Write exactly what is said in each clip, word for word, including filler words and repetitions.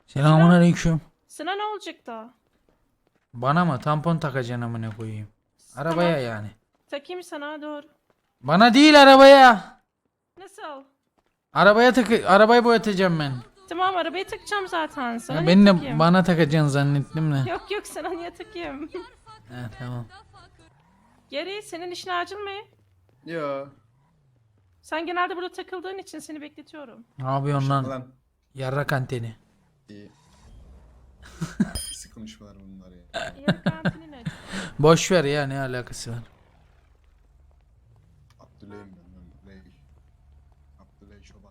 Selamun aleyküm. Sana ne olacak da? Bana mı? Tampon takacaksın amına koyayım. Arabaya Tamam. yani. Takayım sana doğru. Bana değil arabaya. Nasıl? Arabaya takı arabayı boyatacağım ben. Tamam arabayı takacağım zaten. Sana Ya niye beni de takayım? bana takacaksın zannettim de. Yok yok sana niye takayım? He tamam. Geri senin işin acil mi? Yo. Sen genelde burada takıldığın için seni bekletiyorum. Ne yapıyorsun lan? Lan. Yarrak anteni. İyi. Pis konuşmalar bunlar ya. Yarı kantinin acı. Boş ver ya, ne alakası var? Abdüley'im ben. Ben Ley. Abdüley Çoban.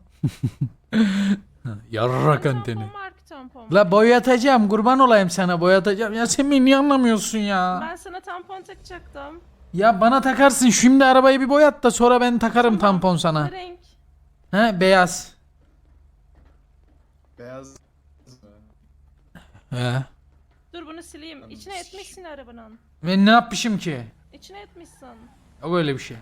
Yarrak anteni. Tampon marka tampon. La boyatacağım, kurban olayım sana, boyatacağım. Ya sen beni niye anlamıyorsun ya? Ben sana tampon takacaktım. Ya bana takarsın, şimdi arabayı bir boyat da sonra ben takarım Tamam. tampon Ne sana. renk? He, beyaz. Beyaz. He. Dur bunu sileyim. İçine etmişsin arabanın. Ben ne yapmışım ki? İçine etmişsin. O öyle bir şey.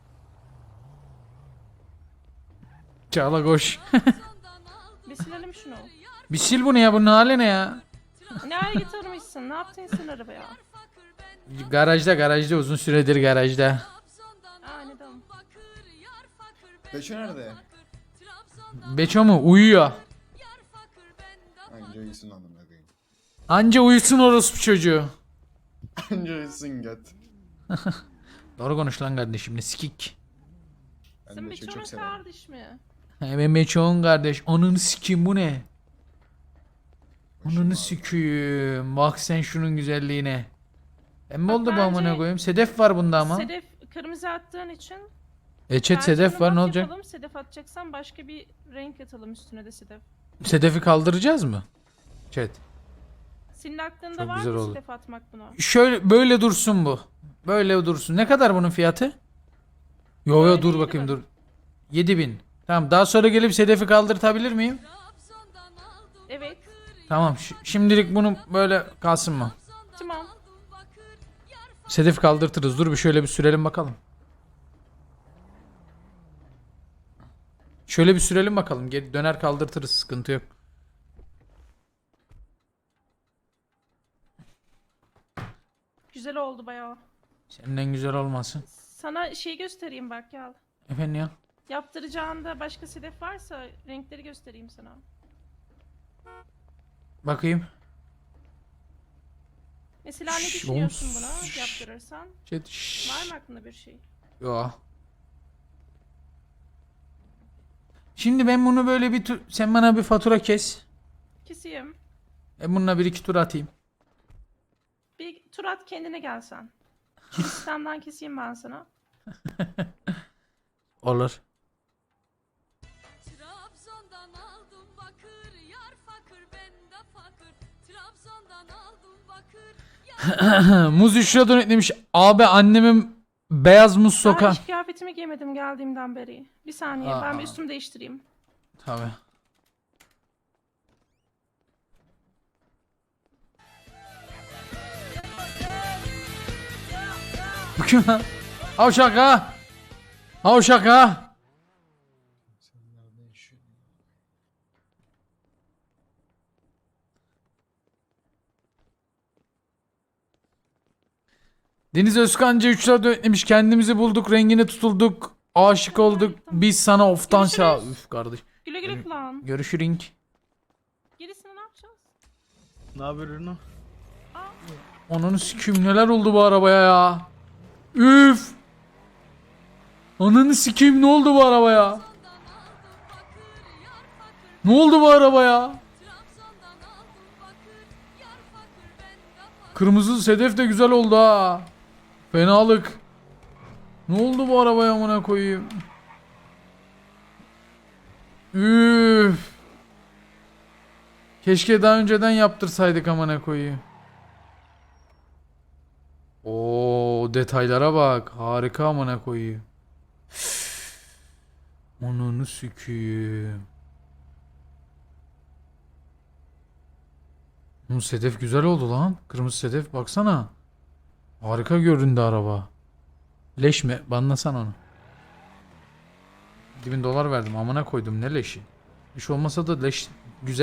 Çağla koş. Bir silelim şunu. Bir sil bunu ya, bunun hali ne ya? Ne hale getirmişsin? Ne yaptın sen arabaya? Garajda garajda uzun süredir garajda. Anladım. Beşo nerede? Beço mu? Uyuyor. Anca uyusun anlamına koyayım. Anca uyusun orospu çocuğu. Anca uyusun göt. Doğru konuş lan kardeşim, ne sikik. Ben Sen Beşo'yu Beço'nun çok severim. kardeş mi? He, ben Beço'nun kardeş. Ananı sikeyim, bu ne? Ananı sikeyim. Bak sen şunun güzelliğine. Emmi Bak oldu bu bence- amına koyayım. Sedef var bunda ama. Sedef kırmızı attığın için. Eçet bence sedef bunu var, ne mat olacak? Yapalım. Sedef atacaksan başka bir renk atalım üstüne de sedef. Sedefi kaldıracağız mı? Chat. Senin aklında Çok var güzel mı oldu. sedef atmak buna? Şöyle böyle dursun bu. Böyle dursun. Ne kadar bunun fiyatı? Yo yo Böyle dur yedi bakayım bin. dur. yedi bin. Tamam, daha sonra gelip sedefi kaldırtabilir miyim? Evet. Tamam, ş- şimdilik bunu böyle kalsın mı? Tamam. Sedef kaldırtırız. Dur bir şöyle bir sürelim bakalım. Şöyle bir sürelim bakalım. Geri döner kaldırtırız, sıkıntı yok. Güzel oldu bayağı. Senden güzel olmasın. Sana şey göstereyim bak gel. Efendim ya. Yaptıracağında başka sedef varsa renkleri göstereyim sana. Bakayım. Mesela ne Şş, düşünüyorsun oğlum, buna şş. yaptırırsan? Chat, şşş. Var mı aklında bir şey? Yo. Şimdi ben bunu böyle bir tur... Sen bana bir fatura kes. Keseyim. Ben bununla bir iki tur atayım. Bir tur at kendine gelsen. Şu sistemden keseyim ben sana. Olur. Trabzon'dan aldım bakır, yar fakir ben de fakir. Trabzon'dan aldım bakır. Muz üç lira donetlemiş. Abi annemin beyaz muz Daha sokan. hiç kıyafetimi giymedim geldiğimden beri. Bir saniye ben bir Aa. üstümü değiştireyim. Tabii. Bu kim lan? Havşak ha. Havşak ha. Sen nerede yaşıyorsun? Deniz Özkancı üç lira donetlemiş. Kendimizi bulduk, rengine tutulduk. Aşık olduk. Biz sana oftan sağ. Görüşürüz. Üf kardeş. Güle güle kulağın. Görüşürünk. Gerisini ne yapacağız? Ne haber Ürünü? Ananı sikeyim, neler oldu bu arabaya ya. Üf. Ananı sikeyim, ne oldu bu arabaya? Ne oldu bu arabaya? Kırmızı sedef de güzel oldu ha. Fenalık. Ne oldu bu arabaya amına koyayım? Üf. Keşke daha önceden yaptırsaydık amına koyayım. Oo, detaylara bak. Harika amına koyayım. Ananı sikeyim. Bu sedef güzel oldu lan. Kırmızı sedef baksana. Harika göründü araba. Leş mi? Banlasan onu. yedi bin dolar verdim. Amına koydum, ne leşi. Leş olmasa da leş